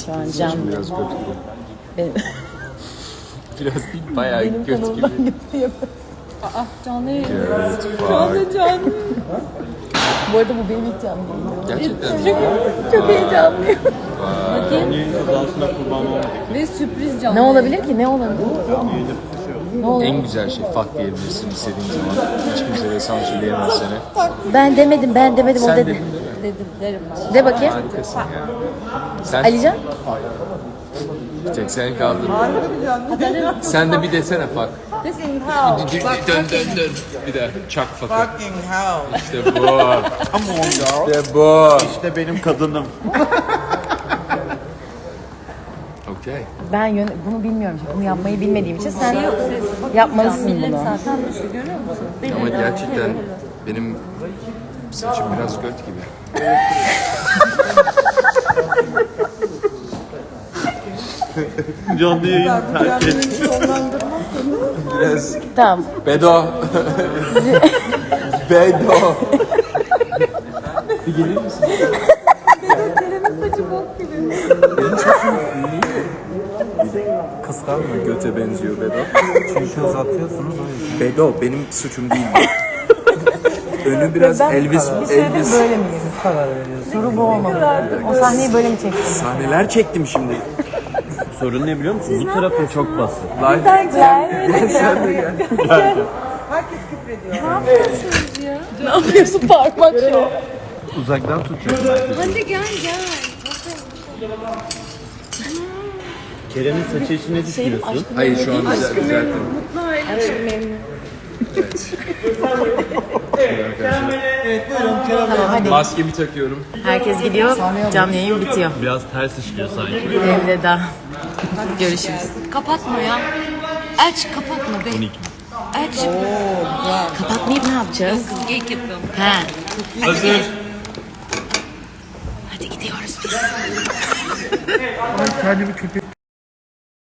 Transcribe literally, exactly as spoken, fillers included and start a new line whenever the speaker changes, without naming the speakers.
şu an canlı.
Biraz göt gibi.
Benim,
Biraz değil, bayağı
benim
göt
kanalımdan
gibi.
yapıyor. Aa canlı yayın.
Evet,
Canlı canlı. Bu arada bu benim ilk canlı yayınım.
gerçekten.
Çok, çok heyecanlıyım.
Bakayım. Kazasına kurban olmadık.
Ve sürpriz canlı. Ne olabilir ki? Ne olabilir? Ne olabilir?
En güzel şey fuck diyebilirsin istediğin zaman. Hiç kimse de sansürleyemez seni.
Ben demedim, ben demedim.
Sen
o dedi.
dedin değil mi?
Dedim, derim ben. De bakayım.
Harikasın ya. Sen
Alican?
bir tek sen kaldın. Sen de bir desene fuck.
Desin how?
Dön dön dön. Bir daha çak fuck'ı.
Fucking hell.
İşte bu.
Come on girl.
İşte bu.
İşte benim kadınım.
Okey.
Ben yön bunu bilmiyorum. Bunu yapmayı bilmediğim için sen yapmalısın bunu. Zaten görüyor musun?
Ama gerçekten benim saçım biraz göt gibi.
Canlı yayın terk et.
Biraz
Tamam.
bedo. Bedo. Bir gelir misin? Kıskanma göte benziyor Bedo.
Çünkü uzatıyorsunuz o yüzden.
Bedo benim suçum değil. Önü biraz Elvis Elvis
Böyle mi
Siz karar veriyorsunuz.
Soru bu olmalı. O sahneyi böyle mi çektin?
sahneler çektim şimdi.
Sorun ne biliyor musun? Bu tarafın çok basit.
Live sen de gel.
Ne yapıyorsun parmak şu?
Uzaktan tutacağım.
Hadi gel gel.
Kerem'in saçı için ne düşünüyorsun?
Hayır şu an güzel düzelttim.
Aşkım memnun.
Evet.
Hadi.
Maskemi takıyorum.
Herkes gidiyor. Canlı yayın bitiyor.
Biraz ters işliyor sanki.
Elveda. Görüşürüz.
Kapatma ya. Aç kapatma be. Aç.
Kapatmayıp ne yapacağız?
Geyik yapıyorum.
He.
Hazır.
Hadi gidiyoruz biz.
Kendimi köpek